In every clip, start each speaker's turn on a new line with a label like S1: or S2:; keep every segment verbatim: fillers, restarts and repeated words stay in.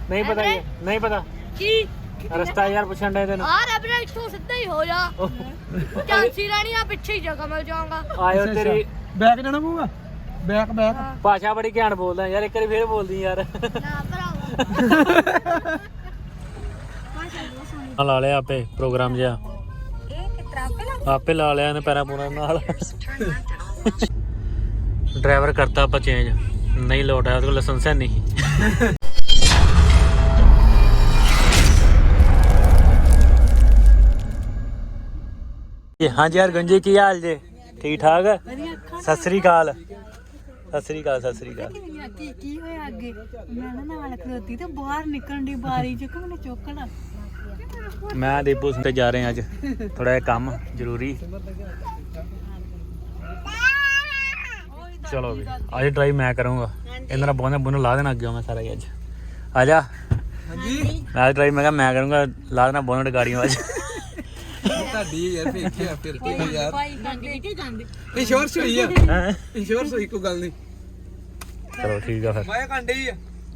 S1: नहीं पता ये नहीं पता
S2: की
S1: रास्ता यार पूछन रहे थे ना
S2: आ रहा इथों सीधा ही हो जा झांसी रानी आ पीछे ही जगह मिल जाऊंगा
S1: आयो तेरी
S3: बैक जाना पਊਗਾ बैक बैक
S1: भाषा बड़ी घैंट बोलदा यार एक बार फिर बोल दी यार
S2: ना भरावा
S1: ला लिया आपे प्रोग्राम जिहा आपे ला लिया ने पैरा पूरा नाल ड्राइवर करता ਆਪਾਂ चेंज नहीं लौट आया उसको लाइसेंस है नहीं हाँ जी यार गंजी की हाल जे ठीक ठाक सत श्री अकाल सत श्री अकाल सत श्री अकाल
S4: ਕੀ ਕੀ ਹੋਇਆ ਅੱਗੇ ਮੈਂ ਨਾ ਨਾਲ ਖਲੋਤੀ ਤੇ ਬਾਹਰ ਨਿਕਲਣ ਦੀ ਬਾਰੀ ਚ ਕਿ ਮੈਨੂੰ ਚੁੱਕਣਾ
S1: मैं दीपू से जा रहे हैं अज थोड़ा जिहा काम जरूरी चलो भी अज ड्राइव मैं करूँगा इन्होंने बोने बुने ला देना अगे मैं सारा ही अज आ जा मैं आज ड्राइव मैं क्या मैं करूँगा ला देना बोनट गाड़ियों अज
S3: ਤੁਹਾਡੀ ਯਾਰ ਵੇਖਿਆ ਫਿਰ ਕੀ ਯਾਰ ਇੰਸ਼ੋਰੈਂਸ ਹੋਈ ਆ ਇੰਸ਼ੋਰੈਂਸ ਹੋਈ ਕੋਈ ਗੱਲ ਨਹੀਂ
S1: चलो ठीक है फिर
S3: ਮੈਂ ਕੰਡੇ ਹੀ ਆ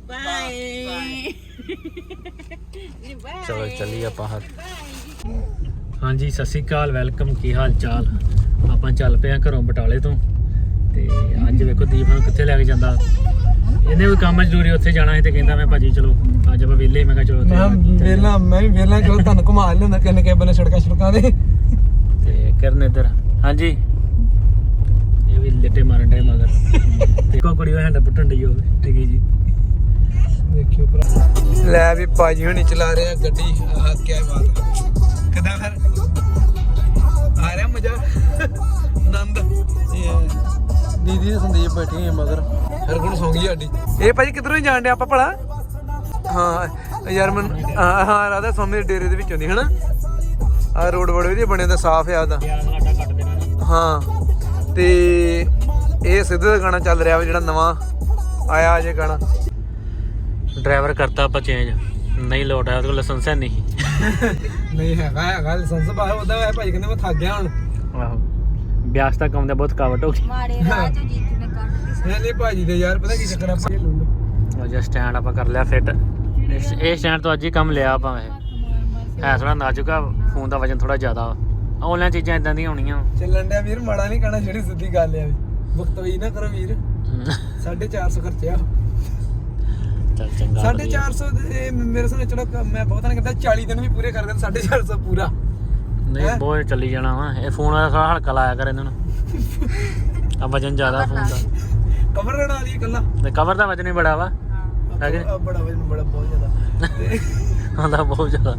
S1: चलो चलिए आप हाँ जी सत श्री अकाल वेलकम की हाल चाल आप चल पे घरों बटाले तो अज वेखो दीप नूं कित्थे लैके जांदा इन्हें भी काम जरूरी उत्थे जाना है तो कहता मैं भाजी चलो अज आप वेले मैं चलो
S3: ਵੇਲਾ ਮੈਂ ਵੀ ਵੇਲਾ ਚਲੋ ਤੁਹਾਨੂੰ ਘੁਮਾ ਲਿਆਉਂਦਾ ਕਿੰਨੇ ਕੇ ਬਨੇ ਸੜਕਾਂ ਸੜਕਾਂ ਦੇ
S1: ते करन इधर हाँ जी ये भी लिट्टे मारन डे मगर देखो कुड़ी हैंड पुट्टन डई होवे ठीक जी
S3: ਦੇਖਿਓ ਭਰਾ ਲੈ ਵੀ ਭਾਜੀ ਹੁਣੀ ਚਲਾ ਰਹੇ ਆ ਗੱਡੀ ਆਹ ਕੀ ਬਾਤ ਕਿਦਾਂ ਫਿਰ ਆ ਰਿਹਾ ਮਜ਼ਾ ਆਨੰਦ ਦੀਦੀ ਤੇ ਸੰਦੀਪ ਬੈਠੀ ਹੈ ਮਗਰ ਹਰਗੁਣ ਸੌਂ ਗਈ ਸਾਡੀ ਇਹ ਭਾਜੀ ਕਿੱਧਰੋਂ ਹੀ ਜਾਣ ਡਿਆ ਆਪਾਂ ਭਲਾ ਹਾਂ ਯਾਰ ਮੈਂ ਹਾਂ ਰਾਧਾ ਸਵਾਮੀ ਦੇ ਡੇਰੇ ਦੇ ਵਿੱਚੋਂ ਦੀ ਹਨਾ ਆ ਰੋਡ ਬੜੇ ਵਧੀਆ ਬਣੇ ਦਾ ਸਾਫ਼ ਆ ਉਹਦਾ ਹਾਂ ਤੇ ਇਹ ਸਿੱਧੂ ਦਾ ਗਾਣਾ ਚੱਲ ਰਿਹਾ ਵਾ ਜਿਹੜਾ ਨਵਾਂ ਆਇਆ ਅਜੇ ਗਾਣਾ
S1: ड्राइवर करता आप चेंज नहीं लौट आया उसको लाइसेंस है नहीं
S3: ਨਹੀਂ ਹੈਗਾ ਹੈਗਾ ਲਾਇਸੈਂਸ ਬਾਹਰ ਉਹਦਾ ਹੈ ਭਾਈ ਕਹਿੰਦੇ ਮੈਂ ਥੱਕ ਗਿਆ ਹੁਣ
S1: ਆਹੋ ਬਿਆਸ ਤੱਕ ਆਉਂਦਾ ਬਹੁਤ ਕਾਵਟ ਹੋ ਗਈ
S2: मारे राह जो जीत में काट
S3: ਨਹੀਂ ਨਹੀਂ ਭਾਜੀ ਦੇ ਯਾਰ ਪਤਾ ਕੀ ਚੱਕਰ ਆ ਭਾਈ ਲੁੱਲ
S1: ਉਹ ਜਿਹਾ ਸਟੈਂਡ ਆਪਾਂ ਕਰ ਲਿਆ ਫਿੱਟ ਇਹ ਸਟੈਂਡ ਤੋਂ ਅੱਜ ਹੀ ਕੰਮ ਲਿਆ ਆਪਾਂ ਇਹ ਹੈ ਥੋੜਾ ਨਾਜ਼ੁਕ ਆ ਫੋਨ ਦਾ ਵਜਨ ਥੋੜਾ ਜ਼ਿਆਦਾ ਆਨਲਾਈਨ ਚੀਜ਼ਾਂ ਇਦਾਂ ਦੀਆਂ ਹੋਣੀਆਂ
S3: ਚੱਲਣ ਡਿਆ ਵੀਰ ਮਾੜਾ ਨਹੀਂ ਕਹਿਣਾ ਜਿਹੜੀ ਸਿੱਧੀ ਗੱਲ ਆ ਬਖਤਵੀ ਨਾ ਕਰੋ ਵੀਰ ਸਾਢੇ ਚਾਰ ਸੌ ਖਰਚਿਆ
S1: ਚੱਲ ਚੰਗਾ
S3: ਸਾਢੇ ਚਾਰ ਸੌ ਦੇ ਮੇਰੇ ਸਾਹਮਣੇ ਚਲੋ ਮੈਂ ਬਹੁਤਾ ਨਹੀਂ ਕਹਿੰਦਾ ਚਾਲੀ ਦਿਨ ਵੀ ਪੂਰੇ ਕਰ ਦੇ ਸਾਢੇ ਚਾਰ ਸੌ ਪੂਰਾ
S1: ਨਹੀਂ ਬਹੁਤ ਚੱਲੀ ਜਾਣਾ ਵਾ ਇਹ ਫੋਨ ਵਾਲਾ ਥੋੜਾ ਹਲਕਾ ਲਾਇਆ ਕਰ ਇਹਨਾਂ ਨੂੰ ਆ ਵਜਨ ਜ਼ਿਆਦਾ ਫੋਨ ਦਾ
S3: ਕਵਰ ਰਣਾ ਲਈ ਇਕੱਲਾ
S1: ਤੇ ਕਵਰ ਦਾ ਵਜਨ ਹੀ ਬੜਾ ਵਾ ਹੈਗੇ
S3: ਆ ਬੜਾ ਵਜਨ ਬੜਾ ਬਹੁਤ ਜ਼ਿਆਦਾ
S1: ਆਂਦਾ ਬਹੁਤ ਜ਼ਿਆਦਾ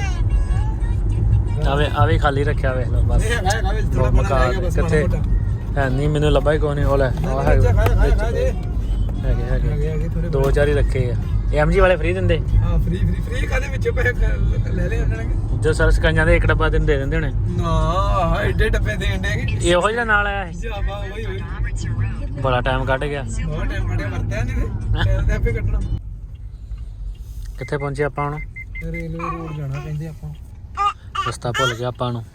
S1: ਆਵੇ ਆਵੇ ਖਾਲੀ ਰੱਖਿਆ ਵੇਖ ਲਓ ਬਸ
S3: ਇਹ ਹੈਗਾ ਹੈਗਾ ਵਿੱਚ ਥੋੜਾ ਬਣਾ ਗਿਆ ਬਸ
S1: ਕਿੱਥੇ ਹੈ ਨਹੀਂ ਮੈਨੂੰ ਲੱਭਾ ਹੀ ਕੋਈ ਨਹੀਂ ਉਹ ਲੈ ਆ ਹੈਗੇ ਹੈਗੇ ਹੈਗੇ ਦੋ ਚਾਰ ਹੀ ਰੱਖੇ ਆ ਐਮਜੀ ਵਾਲੇ ਫ੍ਰੀ ਦਿੰਦੇ
S3: ਹਾਂ ਫ੍ਰੀ ਫ੍ਰੀ ਫ੍ਰੀ ਕਾਦੇ ਵਿੱਚੋਂ ਪੈਸੇ ਲੈ ਲੈ ਉਹਨਾਂ ਨੇ
S1: ਜੋ ਸਰਸ ਕੰਜਾਂ ਦੇ ਇੱਕ ਡੱਬਾ ਦਿਨ ਦੇ ਦਿੰਦੇ ਹੋਣੇ
S3: ਨਾ ਐਡੇ ਡੱਬੇ ਦੇਣ ਦੇ
S1: ਇਹ ਉਹੋ ਜਿਹੜਾ ਨਾਲ ਆਇਆ ਸੀ
S3: ਜਾਵਾ ਹੋਈ ਹੋਈ
S1: ਬੜਾ ਟਾਈਮ ਕੱਢ ਗਿਆ
S3: ਬਹੁਤ ਟਾਈਮ ਕੱਢਿਆ ਵਰਤਿਆ ਨਹੀਂ ਤੇ ਟਾਈਮ ਆਪੇ ਕੱਢਣਾ
S1: ਕਿੱਥੇ ਪਹੁੰਚੇ ਆਪਾਂ ਹੁਣ
S3: ਰੇਲਵੇ ਰੋਡ ਜਾਣਾ ਕਹਿੰਦੇ ਆਪਾਂ
S1: ਰਸਤਾ ਭੁੱਲ ਗਿਆ ਆਪਾਂ ਨੂੰ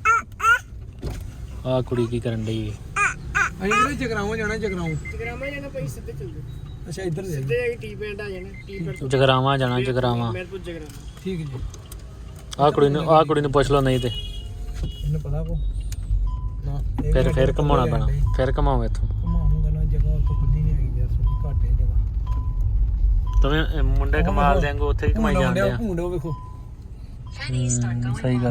S1: ਆਹ ਕੁੜੀ ਕੀ ਕਰਨ ਡਈ ਹੈ
S3: ਅਸੀਂ ਕਿਹੜੇ ਜਗਰਾਉਂ ਜਾਣਾ ਜਗਰਾਉਂ ਜਗਰਾਵਾਂ ਜਾਣਾ ਭਾਈ ਸਿੱਧੇ ਚੱਲ ਜਾਓ ਅੱਛਾ ਇੱਧਰ ਦੇ ਸਿੱਧੇ ਆ ਟੀ ਪਿੰਡ ਆ ਜਾਣਾ ਟੀ ਪਿੰਡ
S1: ਜਗਰਾਵਾਂ ਜਾਣਾ ਜਗਰਾਵਾਂ
S3: ਮੇਰਪੁਰ ਜਗਰਾਵਾਂ ਠੀਕ ਜੀ
S1: ਆਹ ਕੁੜੀ ਨੂੰ ਆਹ ਕੁੜੀ ਨੂੰ ਪੁੱਛ ਲਓ ਨਹੀਂ ਤੇ
S3: ਇਹਨੂੰ ਪਤਾ ਕੋ ਨਾ
S1: ਫਿਰ ਫਿਰ ਘਮਾਉਣਾ ਪੈਣਾ ਫਿਰ ਘਮਾਓ ਇੱਥੋਂ
S3: ਘਮਾਉਂਗਾ ਨਾ ਜਗ੍ਹਾ ਉੱਥੇ ਖੁੱਲੀ ਨਹੀਂ ਹੈਗੀ ਯਾਰ ਥੋੜੀ ਘੱਟ ਹੈ ਜਗ੍ਹਾ
S1: ਤੁਵੇਂ ਮੁੰਡੇ ਕਮਾਲ ਦੇ ਵਾਂਗੂ ਉੱਥੇ ਹੀ ਕਮਾਈ ਜਾਂਦੇ ਆ
S3: ਭੂੰਡ ਉਹ ਵੇਖੋ
S1: ਸਹੀ ਗੱਲ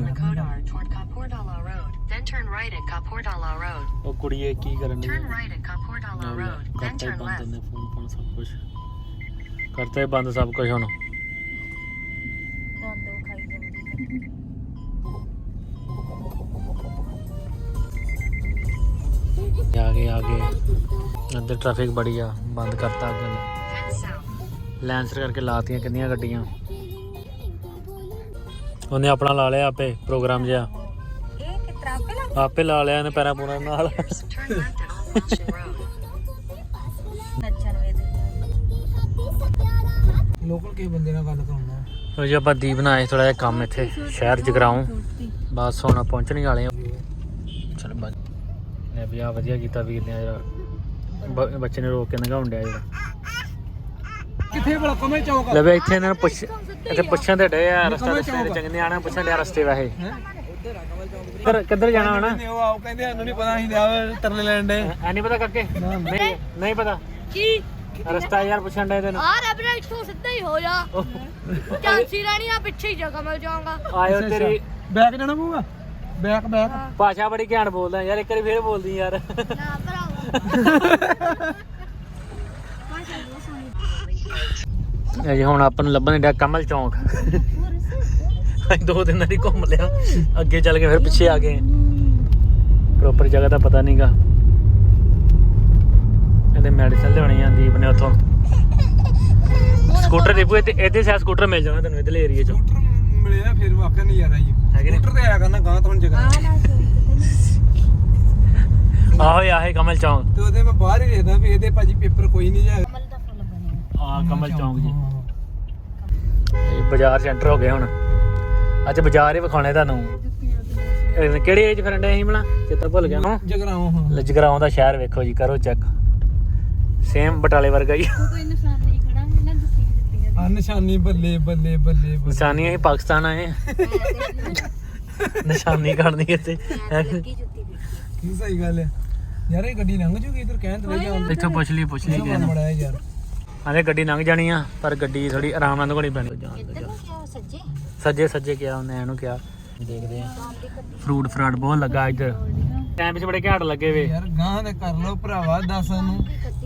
S5: Then turn right at Kapordala Road.
S1: ਉਹ ਕੁੜੀਏ ਕੀ ਕਰਨ ਡਈ
S5: Turn right at Kapordala Road. Then
S1: ਕਰਤਾ ਹੀ
S5: turn
S1: ਬੰਦ
S5: left.
S1: ਨੇ ਫੋਨ ਫੋਨ ਸਭ ਕੁਝ ਕਰਤਾ ਹੀ ਬੰਦ ਸਭ ਕੁਝ ਹੁਣ
S2: दंद खाई जांदी
S1: आगे आगे ਇੱਧਰ ਟ੍ਰੈਫਿਕ ਬੜੀ ਆ ਬੰਦ ਕਰਤਾ ਅੱਗੇ
S5: Then south.
S1: ਲੈਂਸਰ ਕਰਕੇ ਲਾਤੀਆਂ ਕਿੰਨੀਆਂ ਗੱਡੀਆਂ ਉਹਨੇ ਆਪਣਾ ਲਾ ਲਿਆ ਆਪੇ ਪ੍ਰੋਗਰਾਮ ਜਿਹਾ ਆਪੇ ਲਾ ਲਿਆ ਇਹਨੇ ਪੈਰਾਂ ਪੂਰਾਂ ਨਾਲ
S5: Turn left at Old Washington Road.
S2: नच्चन वे
S3: ਲੋਕਲ ਕਿਸੇ ਬੰਦੇ ਨਾਲ ਗੱਲ ਕਰਾਉਣਾ
S1: ਉਹ ਜੀ ਆਪਾਂ ਦੀਪ ਨਾਲ ਆਏ ਥੋੜਾ ਜਿਹਾ ਕੰਮ ਇੱਥੇ ਸ਼ਹਿਰ ਜਗਰਾਉਂ ਬਸ ਹੁਣ ਪਹੁੰਚਣ ਹੀ ਵਾਲੇ ਆ ਚਲ ਬਸ ਨੇ ਵੀ ਆ ਵਧੀਆ ਕੀਤਾ ਵੀਰ ਨੇ ਜਿਹੜਾ ਬ- ਬੱਚੇ ਨੇ ਰੋਕ ਕੇ ਨਗਾਉਣ ਡਿਆ ਜਿਹੜਾ
S3: ਕਿੱਥੇ ਭਲਾ ਕਮਲ ਚੌਕ
S1: ਲੈ ਵੇ ਇੱਥੇ ਇਹਨਾਂ ਨੂੰ ਪੁੱਛ ਇੱਥੇ ਪੁੱਛਣ ਤੇ ਡੇ ਆ ਰਸਤਾ ਦੱਸਣ ਦੇ ਚੰਗੇ ਆਣਾ ਪੁੱਛਣ ਡਿਆ ਰਸਤੇ ਵਾਹੇ ਕਿੱਧਰ ਕਿੱਧਰ ਜਾਣਾ ਹੋਣਾ
S3: ਨੇ ਉਹ ਆਪ ਕਹਿੰਦੇ ਸਾਨੂੰ ਨਹੀਂ ਪਤਾ ਅਸੀਂ ਲਿਆ ਤਰਲੇ ਲੈਣ ਦੇ
S1: ਐ ਨਹੀਂ ਪਤਾ ਕਰਕੇ ਨਹੀਂ ਨਹੀਂ ਪਤਾ
S2: ਕੀ
S1: ਰਸਤਾ ਯਾਰ ਪੁੱਛਣ ਡੇ ਤੈਨੂੰ
S2: ਆ ਰਬਰਾ ਇੱਥੋਂ ਸਿੱਧਾ ਹੀ ਹੋ ਜਾ ਝਾਂਸੀ ਰਾਣੀ ਆ ਪਿੱਛੇ ਹੀ ਜਗ੍ਹਾ ਮਿਲ ਜਾਊਗਾ
S1: ਆਇਓ ਤੇਰੀ
S3: ਬੈਕ ਜਾਣਾ ਪਊਗਾ ਬੈਕ ਬੈਕ
S1: ਭਾਸ਼ਾ ਬੜੀ ਘੈਂਟ ਬੋਲਦਾ ਯਾਰ ਇੱਕ ਵਾਰੀ ਫੇਰ ਬੋਲਦੀ ਯਾਰ
S2: ਨਾ ਭਰਾਵਾ
S1: ਅਜੇ ਹੁਣ ਆਪਾਂ ਨੂੰ ਲੱਭਣ ਡਿਆ ਕਮਲ ਚੌਂਕ ਅਸੀਂ ਦੋ ਦਿਨ ਨਾਲ ਹੀ ਘੁੰਮ ਲਿਆ ਅੱਗੇ ਚੱਲ ਕੇ ਫਿਰ ਪਿੱਛੇ ਆ ਗਏ ਪ੍ਰੋਪਰ ਜਗ੍ਹਾ ਦਾ ਪਤਾ ਨਹੀਂਗਾ ਇਹਦੇ ਮੈਡੀਸਨ ਲਿਆਉਣੀ ਆ ਦੀਪ ਨੇ ਉੱਥੋਂ ਸਕੂਟਰ ਦੇਖੋ ਤੇ ਇਹਦੇ ਸਾਹ ਸਕੂਟਰ ਮਿਲ ਜਾਣਾ ਤੈਨੂੰ ਇਧਰਲੇ ਏਰੀਆ ਚੋਂ
S3: ਸਕੂਟਰ ਮਿਲੇ ਨਾ ਫਿਰ ਵਾਕਿਆ ਨਹੀਂ ਯਾਰ ਆਈ
S1: ਹੈਗੇ ਨੇ
S3: ਸਕੂਟਰ ਤੇ ਆਇਆ ਕਰਨਾ ਗਾਂ ਤੋਂ ਹੁਣ ਜਗ੍ਹਾ
S1: ਆਹੋ ਆਹੇ ਕਮਲ ਚੌਂਕ
S3: ਤੇ ਉਹਦੇ ਮੈਂ ਬਾਹਰ ਹੀ ਵੇਖਦਾ ਵੀ ਇਹਦੇ ਭਾਜੀ ਪੇਪਰ ਕੋਈ ਨਹੀਂ ਜਾ
S1: ਆ ਕਮਲ ਚੌਂਕ ਜੀ ਇਹ ਬਾਜ਼ਾਰ ਸੈਂਟਰ ਹੋ ਗਿਆ ਹੁਣ ਅੱਜ ਬਾਜ਼ਾਰ ਹੀ ਵਿਖਾਉਣੇ ਤੁਹਾਨੂੰ ਇਹ ਕਿਹੜੇ ਏਜ ਫਰੈਂਡ ਐ ਅਸੀਂ ਬਣਾ ਚੇਤਾ ਭੁੱਲ ਗਿਆ ਹਾਂ
S3: ਜਗਰਾਉਂ ਹਾਂ
S1: ਲਜਗਰਾਉਂ ਦਾ ਸ਼ਹਿਰ ਵੇਖੋ ਜੀ ਕਰੋ ਚੈੱਕ ਸੇਮ ਬਟਾਲੇ ਵਰਗਾ ਹੀ
S4: ਕੋਈ ਨਿਸ਼ਾਨ ਨਹੀਂ ਖੜਾ ਹੈ ਨਾ ਦਸੀਆਂ ਦਿੱਤੀਆਂ
S3: ਆ ਨਿਸ਼ਾਨੀ ਬੱਲੇ ਬੱਲੇ ਬੱਲੇ ਬੱਲੇ।
S1: ਨਿਸ਼ਾਨੀ ਅਸੀਂ ਪਾਕਿਸਤਾਨ ਆਏ ਨਿਸ਼ਾਨੀ ਕਰਨੀ ਇੱਥੇ
S3: ਕੀ ਸਹੀ ਗੱਲ ਹੈ ਯਾਰ ਇਹ ਗੱਡੀ ਲੰਘ ਜੂਗੀ ਇਧਰ ਕਹਿਣ ਤੇ ਲੱਗਿਆ
S1: ਇੱਥੋਂ ਪੁੱਛ ਲਈ ਪੁੱਛ ਲਈ ਕਿਸੇ ਨੂੰ
S3: ਬੜਾ ਯਾਰ
S1: ਹਾਲੇ ਗੱਡੀ ਲੰਘ ਜਾਣੀ ਆ ਪਰ ਗੱਡੀ ਥੋੜੀ ਆਰਾਮ ਨਾਲ ਘੋੜੀ ਪੈਣੀ
S4: ਸੱਜੇ
S1: ਸੱਜੇ ਸੱਜੇ ਕਿਹਾ ਉਹਨੇ ਇਹਨੂੰ ਕਿਹਾ ਦੇਖਦੇ ਆ ਫਰੂਟ ਫਰਾਟ ਬਹੁਤ ਲੱਗਾ ਇੱਧਰ ਟਾਈਮ ਵਿੱਚ ਬੜੇ ਘਾਟ ਲੱਗੇ ਵੇ
S3: ਯਾਰ ਗਾਂ ਦੇ ਕਰ ਲੋ ਭਰਾਵਾ ਦੱਸ ਨੂੰ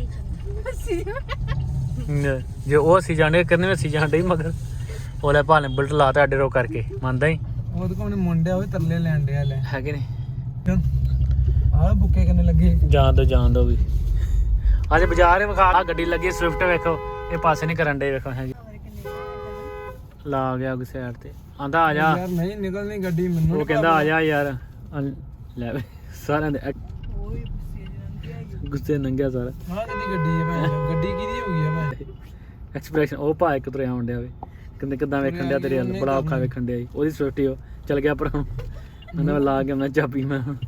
S1: ਜੇ ਉਹ ਅਸੀਂ ਜਾਣੇ ਕਰਨੇ ਅਸੀਂ ਜਾਣਦੇ ਹੀ ਮਗਰ ਉਹਲੇ ਭਾਲੇ ਬੁਲਟ ਲਾਤਾ ਅੱਡੇ ਰੋ ਕਰਕੇ ਮੰਨਦਾ ਹੀ
S3: ਉਹਦੇ ਕੋਲ ਮੁੰਡਿਆ ਉਹ ਤਰਲੇ ਲੈਣ ਡਿਆ ਲੈ
S1: ਹੈਗੇ ਨੇ
S3: ਆਹ ਬੁੱਕੇ ਕਿੰਨੇ ਲੱਗੇ
S1: ਜਾਣ ਦੋ ਜਾਣ ਦੋ ਵੀ ਅੱਜ ਬਾਜ਼ਾਰ ਵਿਖਾ ਆ ਗੱਡੀ ਲੱਗੀ ਸਵਿਫਟ ਵੇਖੋ ਇਹ ਪਾਸੇ ਨਹੀਂ ਕਰਨ ਡੇ ਵੇਖੋ ਹੈ ਜੀ ਲਾ ਗਿਆ ਉਹ ਸਾਈਡ ਤੇ ਆਂਦਾ ਆ ਜਾ
S3: ਯਾਰ ਨਹੀਂ ਨਿਕਲਣੀ ਗੱਡੀ ਮੈਨੂੰ
S1: ਉਹ ਕਹਿੰਦਾ ਆ ਜਾ ਯਾਰ ਆ ਲੈ ਵੇ ਸਾਰਿਆਂ ਦੇ ਐਕ- ਗੁੱਸੇ ਨੰਗਿਆ ਸਾਰਾ
S3: ਆਹ ਕਿਹਦੀ ਗੱਡੀ ਹੈ ਭੈਣ ਚੋਦ? ਗੱਡੀ ਕਿਹਦੀ ਹੋ ਗਈ ਹੈ ਭੈਣ
S1: ਐਕਸਪ੍ਰੈਸ਼ਨ ਉਹ ਭਾ ਇੱਕ ਤੁਰਿਆ ਆਉਣ ਡਿਆ ਵੇ ਕਹਿੰਦੇ ਕਿੱਦਾਂ ਵੇਖਣ ਡਿਆ ਤੇਰੇ ਵੱਲ ਬੜਾ ਔਖਾ ਵੇਖਣ ਡਿਆ ਸੀ ਉਹਦੀ ਸਵਿਫਟ ਹੀ ਉਹ ਚਲ ਗਿਆ ਪਰ ਹੁਣ ਕਹਿੰਦਾ ਮੈਂ ਲਾ ਕੇ ਮੈਂ ਚਾਬੀ ਮੈਂ ਹੁਣ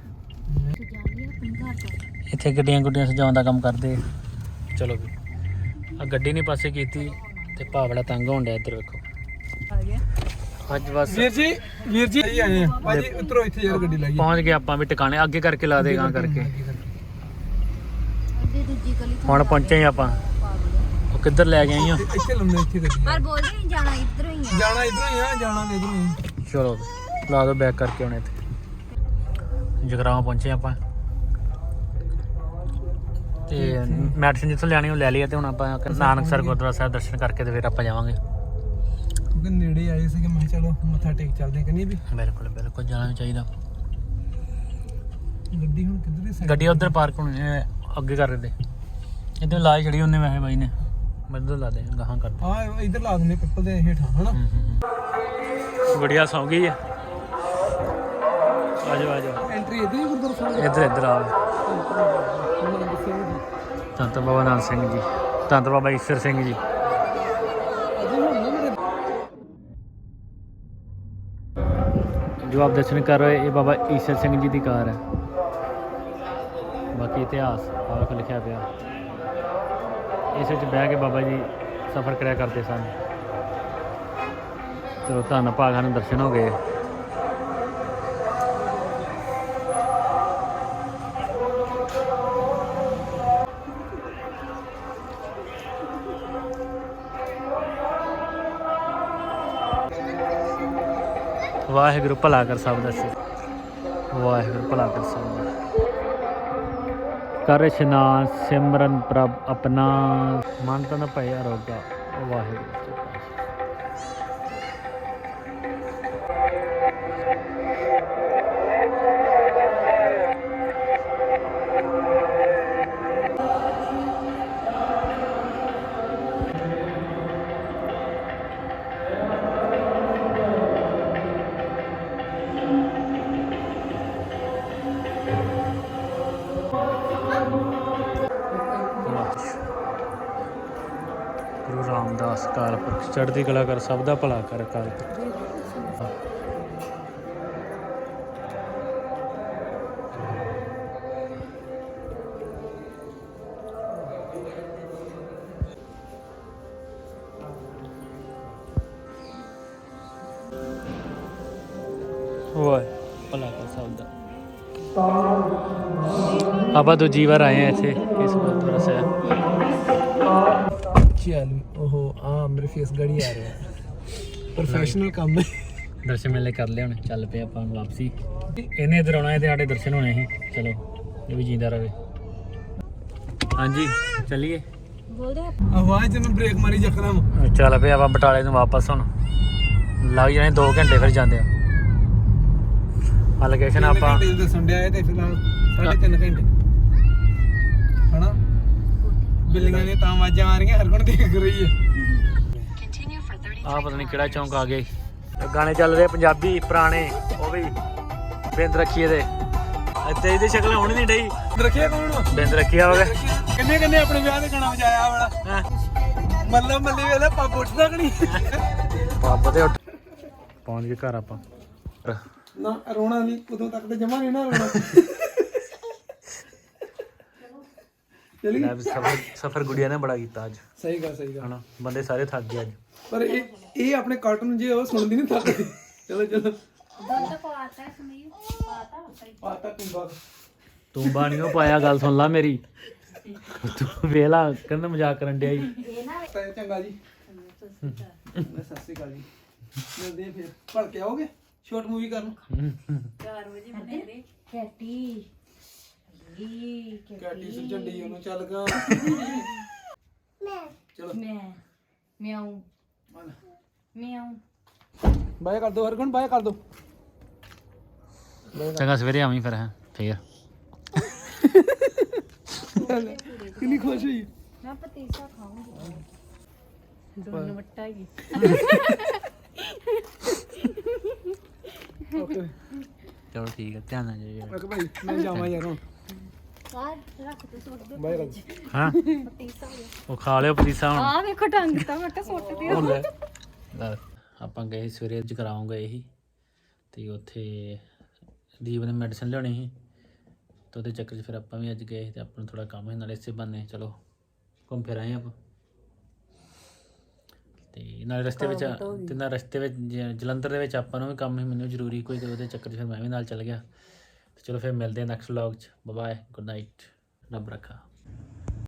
S1: ਇੱਥੇ ਗੱਡੀਆਂ ਗੁੱਡੀਆਂ ਸਜਾਉਣ ਦਾ ਕੰਮ ਕਰਦੇ ਚਲੋ ਵੀ ਆ ਗੱਡੀ ਨਹੀਂ ਪਾਸੇ ਕੀਤੀ ਤੇ ਭਾ ਬੜਾ ਤੰਗ ਹੋਣ ਡਿਆ ਇੱਧਰ ਵੇਖੋ
S4: ਆ ਗਿਆ
S1: ਅੱਜ ਬਸ
S3: ਵੀਰ ਜੀ ਵੀਰ ਜੀ ਆਈ ਆਏ ਆ ਭਾਜੀ ਉਤਰੋ ਇੱਥੇ ਯਾਰ ਗੱਡੀ ਲਾਈ
S1: ਪਹੁੰਚ ਗਏ ਆਪਾਂ ਵੀ ਟਿਕਾਣੇ ਅੱਗੇ ਕਰਕੇ ਲਾ ਦੇਗਾ ਕਰਕੇ
S4: ਅੱਧੇ ਦੂਜੀ ਗਲੀ
S1: ਹੁਣ ਪਹੁੰਚੇ ਹੀ ਆਪਾਂ ਉਹ ਕਿੱਧਰ ਲੈ ਗਏ ਆਈਓ
S3: ਇੱਥੇ ਲੰਮੇ ਇੱਥੇ ਗੱਡੀ
S4: ਪਰ ਬੋਲਦੇ ਨਹੀਂ ਜਾਣਾ ਇੱਧਰੋਂ ਹੀ ਆ
S3: ਜਾਣਾ ਇਧਰੋਂ ਹੀ ਆ ਜਾਣਾ ਤੇ ਇਧਰੋਂ ਹੀ
S1: ਚਲੋ ਲਾ ਦੋ ਬੈਕ ਕਰਕੇ ਹੁਣ ਇੱਥੇ ਜਗਰਾਉਂ ਪਹੁੰਚੇ ਆਪਾਂ ਤੇ ਮੈਡੀਸਨ ਜਿੱਥੋਂ ਲੈਣੀ ਉਹ ਲੈ ਲਈ ਤੇ ਹੁਣ ਆਪਾਂ ਨਾਨਕਸਰ ਗੁਰਦੁਆਰਾ ਸਾਹਿਬ ਦਰਸ਼ਨ ਕਰਕੇ ਤੇ ਫਿਰ ਆਪਾਂ ਜਾਵਾਂਗੇ
S3: ਕਿਉਂਕਿ ਨੇੜੇ ਆਏ ਸੀ ਕਿ ਮੈਂ ਕਿਹਾ ਚਲੋ ਮੱਥਾ ਟੇਕ ਚੱਲਦੇ ਕਿ ਨਹੀਂ ਵੀ
S1: ਬਿਲਕੁਲ ਬਿਲਕੁਲ ਜਾਣਾ ਵੀ ਚਾਹੀਦਾ
S3: ਗੱਡੀ ਹੁਣ ਕਿੱਧਰ ਦੀ side
S1: ਗੱਡੀ ਉਧਰ ਪਾਰਕ ਹੋਣੀ ਹੈ ਅੱਗੇ ਕਰ ਰਹੇ ਇੱਧਰ ਲਾਈ ਛੜੀ ਉਹਨੇ ਵੈਸੇ ਬਾਈ ਨੇ ਮੱਦੋ ਲਾ ਦੇ ਗਾਹਾਂ ਕਰ
S3: ਆ ਇਧਰ ਲਾ ਦਿੰਦੇ ਪਿੱਪਲ ਦੇ ਹੇਠਾਂ ਹਨਾ
S1: ਗੁੜੀਆ ਸੌਂ ਗਈ ਹੈ ਆਜੋ ਆਜੋ
S3: ਐਂਟਰੀ ਇਧਰ ਹੀ ਗੁਰਦੁਆਰਾ ਸਾਹਿਬ
S1: ਇੱਧਰ ਇੱਧਰ ਆਓ ਧੰਨ ਬਾਬਾ ਨਾਨਕ ਸਿੰਘ ਜੀ ਧੰਨ ਬਾਬਾ ਈਸ਼ਰ ਸਿੰਘ ਜੀ ਜੋ ਆਪ ਦਰਸ਼ਨ ਕਰ ਰਹੇ ਇਹ ਬਾਬਾ ਈਸ਼ਰ ਸਿੰਘ ਜੀ ਦੀ ਕਾਰ ਹੈ ਬਾਕੀ ਇਤਿਹਾਸ ਆਪ ਲਿਖਿਆ ਪਿਆ ਇਸ ਵਿੱਚ ਬਹਿ ਕੇ ਬਾਬਾ ਜੀ ਸਫ਼ਰ ਕਰਿਆ ਕਰਦੇ ਸਨ ਚਲੋ ਧੰਨ ਭਾਗਾਂ ਨੂੰ ਦਰਸ਼ਨ ਹੋ ਗਏ ਵਾਹਿਗੁਰੂ ਭਲਾ ਕਰ ਸਭ ਦਾ ਸਿਰ ਵਾਹਿਗੁਰੂ ਭਲਾ ਕਰ ਸਭ ਦਾ ਕਰ ਇਸ਼ਨਾਨ ਸਿਮਰਨ ਪ੍ਰਭ ਆਪਣਾ ਮਨ ਤਨ ਭੈ ਅਰੋਗਾ ਵਾਹਿਗੁਰੂ ਜੀ ਕਾ ਗੁਰੂ ਰਾਮਦਾਸ ਕਾਲ ਪੁਰਖ ਚੜ੍ਹਦੀ ਕਲਾ ਕਰ ਸਭ ਦਾ ਭਲਾ ਕਰ ਕਾਲ ਪੁਰਖ ਓਏ ਭਲਾ ਕਰ ਸਕਦਾ। ਆਪਾਂ ਦੂਜੀ ਵਾਰ ਆਏ ਆ ਇੱਥੇ ਇਸ ਗੁਰਦੁਆਰਾ ਸਾਹਿਬ।
S3: ਚੱਲ ਉਹ ਆ ਮੇਰੇ ਫੇਸ ਗੜੀ ਆ ਰਿਹਾ ਪ੍ਰੋਫੈਸ਼ਨਲ ਕੰਮ ਹੈ।
S1: ਦਰਸ਼ਨ ਮੇਲੇ ਕਰ ਲਿਆ ਹੁਣ ਚੱਲ ਪਏ ਆਪਾਂ ਹੁਣ ਵਾਪਸੀ। ਇਹਨੇ ਇੱਧਰ ਆਉਣਾ ਤੇ ਸਾਡੇ ਦਰਸ਼ਨ ਹੋਣੇ ਸੀ। ਚਲੋ ਇਹ ਵੀ ਜਿੰਦਾ ਰਵੇ। ਹਾਂਜੀ ਚੱਲੀਏ।
S3: ਆਵਾਜ਼ ਤੇ ਮੈਂ ਬ੍ਰੇਕ ਮਾਰੀ ਜਕਰਮ।
S1: ਚੱਲ ਪਏ ਆਪਾਂ ਬਟਾਲੇ ਨੂੰ ਵਾਪਸ ਹੁਣ। ਲੱਗ ਜਾਣੇ ਦੋ ਘੰਟੇ ਫਿਰ ਜਾਂਦੇ ਆ। ਆ ਲੋਕੇਸ਼ਨ ਆਪਾਂ
S3: ਦੱਸਣ ਡਿਆ ਤੇ ਫਿਲਹਾਲ ਸਾਢੇ ਤਿੰਨ ਘੰਟੇ ਹਨਾ। ਬਿੱਲੀਆਂ ਨੇ ਤਾਂ ਆਵਾਜ਼ਾਂ ਆ ਰਹੀਆਂ, ਹਰ ਕੋਣ ਦੇਖ ਰਹੀ ਹੈ।
S5: Continue for thirty
S1: ਆਹ ਪਤਾ ਨਹੀਂ ਕਿਹੜਾ ਚੌਂਕ ਆ ਗਏ। ਗਾਣੇ ਚੱਲ ਰਹੇ ਪੰਜਾਬੀ ਪੁਰਾਣੇ, ਉਹ ਵੀ ਬਿੰਦ ਰੱਖੀਏ ਦੇ ਇੱਥੇ ਇਹਦੀ ਸ਼ਕਲ ਹੋਣੀ ਨਹੀਂ ਡਈ।
S3: ਰੱਖਿਆ ਕੌਣ ਵਾ?
S1: ਬਿੰਦ ਰੱਖਿਆ ਹੋਵੇ।
S3: ਕਿੰਨੇ ਕਿੰਨੇ ਆਪਣੇ ਵਿਆਹ ਦੇ ਗਾਣਾ ਵਜਾਇਆ ਵਾਲਾ ਮੱਲਾ ਮੱਲੀ ਵੇਲੇ ਪੱਬ ਉੱਠਦਾ ਕਿ ਨਹੀਂ?
S1: ਪੱਬ ਤੇ ਉੱਠ ਪਹੁੰਚ ਗਏ ਘਰ ਆਪਾਂ।
S3: ਨਾ ਰੋਣਾ ਨਹੀਂ, ਉਦੋਂ ਤੱਕ ਤੇ ਜਮਾ ਨਹੀਂ ਨਾ ਰੋਣਾ। ਚਲੀ
S1: ਲੈ ਵੀ ਸਫਰ ਸਫਰ ਗੁੜੀਆ ਨੇ ਬੜਾ ਕੀਤਾ ਅੱਜ।
S3: ਸਹੀ ਗੱਲ ਸਹੀ ਗੱਲ
S1: ਹਨਾ ਬੰਦੇ ਸਾਰੇ ਥੱਕ ਗਏ ਅੱਜ।
S3: ਪਰ ਇਹ ਇਹ ਆਪਣੇ ਕਾਰਟੂਨ ਜੇ ਉਹ ਸੁਣਦੀ ਨਹੀਂ ਥੱਕਦੀ। ਚਲੋ ਚਲੋ ਪਾਤਾ ਕੁੰਬਾ
S1: ਤੂੰ ਬਾਣੀਓ ਪਾਇਆ, ਗੱਲ ਸੁਣ ਲਾ ਮੇਰੀ। ਤੂੰ ਵੇਲਾ ਕਹਿੰਦਾ ਮਜ਼ਾਕ ਕਰਨ ਡਿਆ ਜੀ।
S3: ਚੰਗਾ ਜੀ ਮੈਂ ਸਤਿ ਸ਼੍ਰੀ ਅਕਾਲ ਜੀ। ਮਿਲਦੇ ਆ ਫਿਰ। ਭੜ ਕੇ ਆਓਗੇ ਸ਼ਾਰਟ ਮੂਵੀ ਕਰਨ?
S4: ਕੈਟੀ
S3: ਕੈਟੀ ਸੁਝੰਡੀ ਉਹਨੂੰ ਚੱਲ ਗਾ। ਚਲੋ
S4: ਮੈਂ ਮਿਆਉ ਮਿਆਉ
S3: ਬਾਏ ਕਰ ਦੋ ਹਰਗੁਣ, ਬਾਏ ਕਰ ਦੋ।
S1: ਚੰਗਾ ਸਵੇਰੇ ਆਵੀਂ ਫਿਰ। ਹੈ ਫੇਰ
S3: ਕਿੰਨੀ ਖੁਸ਼ ਹੋਈ।
S4: ਮੈਂ ਪਤੀਸਾ ਖਾਉਂਗੀ। ਦੋਨੋਂ ਵੱਟਾ ਹੀ
S3: ਓਕੇ
S1: ਚਲੋ ਠੀਕ ਹੈ, ਧਿਆਨ ਨਾਲ ਜਾਈਓ।
S3: ਓਕੇ ਭਾਈ ਮੈਂ ਜਾਵਾਂ ਯਾਰ ਹੁਣ।
S2: ਰੱਖ ਤੇ ਸੁੱਟ ਦੇ
S3: ਬਾਏ ਕਰ ਦੋ।
S1: ਹਾਂ ਉਹ ਖਾ ਲਿਓ ਪਤੀਸਾ ਹੁਣ।
S4: ਆ ਵੇਖੋ ਟੰਗ ਤਾਂ ਮੈਂ ਕਿਹਾ ਸੁੱਟ ਦਿਓ।
S1: ਲੈ ਆਪਾਂ ਗਏ ਸੀ ਸਵੇਰੇ ਜਗਰਾਉਂ ਗਏ ਸੀ ਤੇ ਉੱਥੇ ਦੀਪ ਨੇ ਮੈਡੀਸਨ ਲਿਆਉਣੀ ਸੀ ਤੇ ਉਹਦੇ ਚੱਕਰ 'ਚ ਫਿਰ ਆਪਾਂ ਵੀ ਅੱਜ ਗਏ ਸੀ ਤੇ ਆਪਾਂ ਨੂੰ ਥੋੜਾ ਕੰਮ ਸੀ ਨਾਲੇ ਇਸੇ ਬੰਨੇ ਚਲੋ ਘੁੰਮ ਫਿਰ ਆਏ ਆਪਾਂ। ਤੇ ਨਾਲ ਰਸਤੇ ਵਿੱਚ ਤੇ ਨਾਲ ਰਸਤੇ ਵਿੱਚ ਜ- ਜਲੰਧਰ ਦੇ ਵਿੱਚ ਆਪਾਂ ਨੂੰ ਵੀ ਕੰਮ ਸੀ, ਮੈਨੂੰ ਜ਼ਰੂਰੀ ਕੋਈ, ਤੇ ਉਹਦੇ ਚੱਕਰ 'ਚ ਫਿਰ ਮੈਂ ਵੀ ਨਾਲ ਚੱਲ ਗਿਆ। ਤੇ ਚਲੋ ਫਿਰ ਮਿਲਦੇ ਹਾਂ ਨੈਕਸਟ ਵਲੌਗ 'ਚ। ਬਾਏ, ਗੁੱਡ ਨਾਈਟ, ਰੱਬ ਰੱਖਾ।